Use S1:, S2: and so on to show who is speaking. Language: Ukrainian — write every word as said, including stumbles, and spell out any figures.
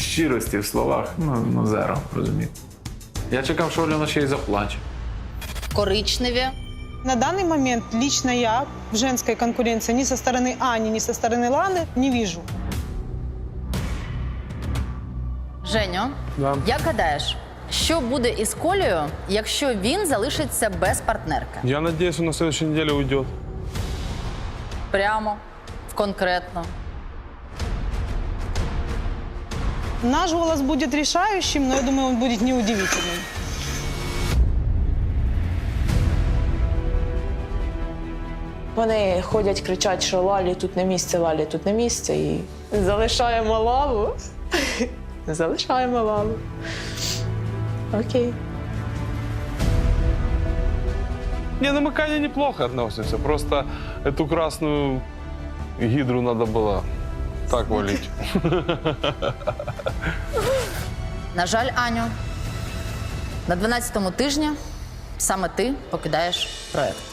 S1: щирості в словах, ну, ну зеро, розумієте. Я чекав, що Альона ще й заплаче.
S2: Коричневі.
S3: На данный момент лично я в женской конкуренции ни со стороны Ани, ни со стороны Ланы не вижу.
S2: Женю,
S4: Да.
S2: як гадаєш, що буде із Колею, якщо він залишиться без партнерки?
S4: Я надеюсь, он на следующей неделе уйдет.
S2: Прямо, конкретно.
S3: Наш голос будет решающим, но я думаю, он будет неудивительным.
S5: Вони ходять, кричать, що Лалі тут не місце, Лалі тут не місце. І залишаємо лаву. Залишаємо лаву. Окей.
S4: Не, ну мы к Ане неплохо относимся. Просто эту красную гидру надо было так валить.
S2: На жаль, Аню, на дванадцятому тижні саме ти покидаєш проект.